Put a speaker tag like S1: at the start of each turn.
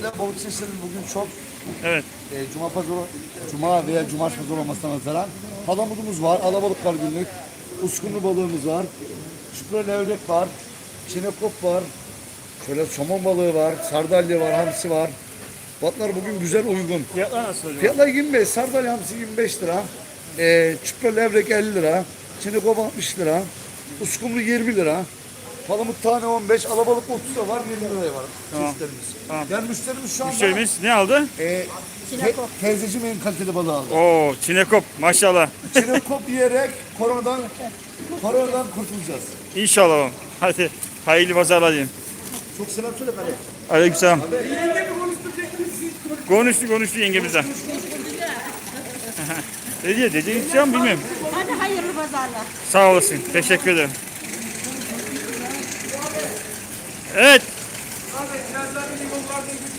S1: Gelen balık çeşitleri bugün çok.
S2: Evet.
S1: Cuma veya cumartesi pazarı olmasına nazaran palamudumuz var, alabalık var günlük, uskumru balığımız var, çupra levrek var, çinekop var, şöyle somon balığı var, sardalya var, hamsi var. Batlar bugün güzel uygun.
S2: Fiyatlar nasıl hocam?
S1: Fiyatlar 25, sardalya hamsi 25 lira, çupra levrek 50 lira, çinekop 60 lira, uskumru 20 lira. Palamut tane 15, alabalık 30 lira var, 20 liraya var çeşitlerimiz.
S2: Tamam.
S1: Yani müşterimiz şu anda
S2: Müşterimiz ne aldı?
S1: teyzeciğim en kaliteli balığı aldı.
S2: Oo, çinekop maşallah.
S1: Çinekop yiyerek koronadan kurtulacağız.
S2: İnşallah. Hadi hayırlı pazarlar diyeyim.
S1: Çok selam söyle bana.
S2: Aleykümselam. Konuştu yengemizden. Ne diye dediğin şey mi bilmiyorum.
S3: Hadi hayırlı pazarlar.
S2: Sağ olasın. Teşekkür ederim. Evet.
S4: Abi biraz daha bir limonlardan